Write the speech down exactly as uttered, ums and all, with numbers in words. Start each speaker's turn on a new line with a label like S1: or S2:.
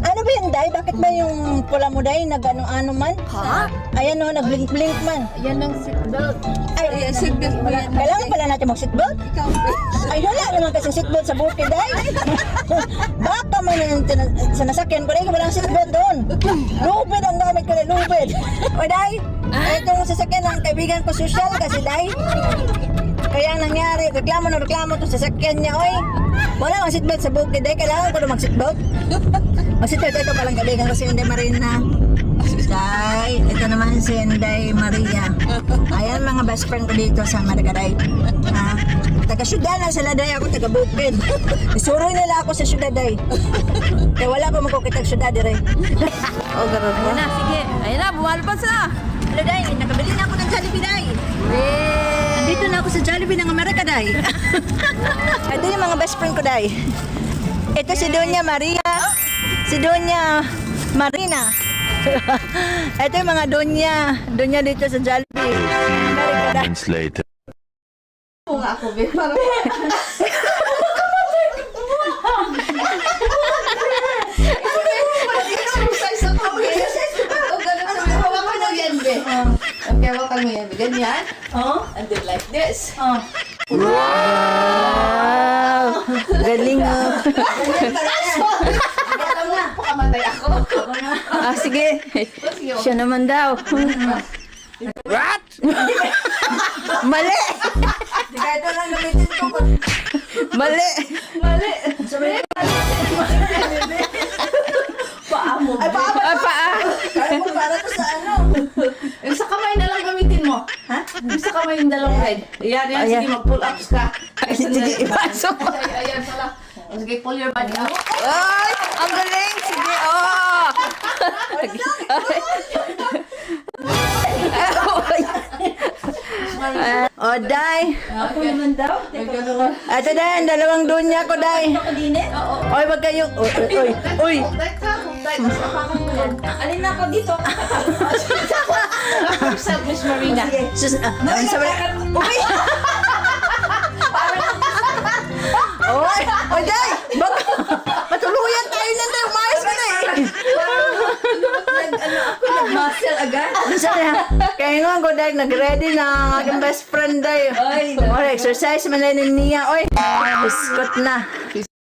S1: Ano ba yan, Day? Bakit ba yung pula mo, Day, nag-ano-ano man?
S2: Ha?
S1: Ayan o, nag-blink-blink man.
S2: Yan ang seatbelt.
S1: Ay,
S2: Ayan, seatbelt mo yan.
S1: Kailangan pala natin mag-seatbelt?
S2: Ikaw.
S1: Ay, wala naman kasi seatbelt sa buti, Day. Baka man yung tina- sa nasakyan ko, Day, walang seatbelt doon. Lubid ang gamit ko, Day, lubid. O, Day, itong sasakyan ng kaibigan ko social kasi, Day. Kaya ang nangyari, reklamo na reklamo to sa sasakyan niya, oy. Wala ang seatbelt sa bukid, Day. Kailangan ko na mag-seatbelt. Mag-seatbelt ito palang kaibigan ko si Inday Marina. Day, ito naman si Inday Maria. Ayan mga best friend ko dito sa Maragaray. Ha? Taga-syudad na sila, Day. Ako taga-bukid. Isuroy nila ako sa syudad, Day. Kaya wala ko magkukitag syudad, Day. O, gano'n
S2: Ayan
S1: po.
S2: na, sige. Ayan na, bumalpas na.
S1: Hello, Day. Nakabili na ako ng Jollibee, Day.
S2: Wait.
S1: Dito na ako sa Jollibee ng Amerika, Day. Ito yung mga best friend ko, Day. Ito si Doña Maria. Si Doña Marina. Ito yung mga Doña. Doña dito sa Jollibee. Amerika, Day.
S3: Moments later.
S2: Oo nga ako, be. Parang... Exercise ako, be. O, ganun ko. Hawakan mo yan, be. Okay, hawakan mo yan, be. Ganyan.
S1: Oh?
S2: And then like this.
S1: Oh. Wow! Galing, oh.
S2: Alam mo, pakamatay ako.
S1: Ah, sige. Siya naman daw.
S3: What?
S1: Mali! Ito lang gamitin ko. Mali!
S2: Mali. Sabi, paa mo.
S1: Ay, paa ba?
S2: Ay, paa.
S1: Kaya mo para to sa ano?
S2: Yung sa kamay na lang gamitin mo. Ha? Yung sa kamay yung dalawang red. Ayan, yan.
S1: Ayan.
S2: Sige, mag-pull ups ka.
S1: Ay, sige, ipasok mo.
S2: Ay, ayan pala. O, sige, pull your body out.
S1: Ay! Ang galing! Sige, oh! Oh, Day.
S2: Ako naman daw.
S1: Ito, Day. Ang dalawang dunya ko, Day.
S2: Oo.
S1: Oy, wag kayong... Uy, uy, uy. Uy.
S2: Hold ka, hold tight. Sapakan mo yan. Alin na ako dito. Yourself, Miss Marina.
S1: Sus... Ah, ang sabi... Uy! Oy! Oy, Day! Bak... Patuluyan tayo na, Day. Umayos ka na, eh.
S2: Ano ako, nag-muscle agad.
S1: Sorry, ha? Kaya nga ko, Day, nag-ready na ang aking best friend, Day.
S2: Ay,
S1: Or exercise man na niya. Oy, biskot na.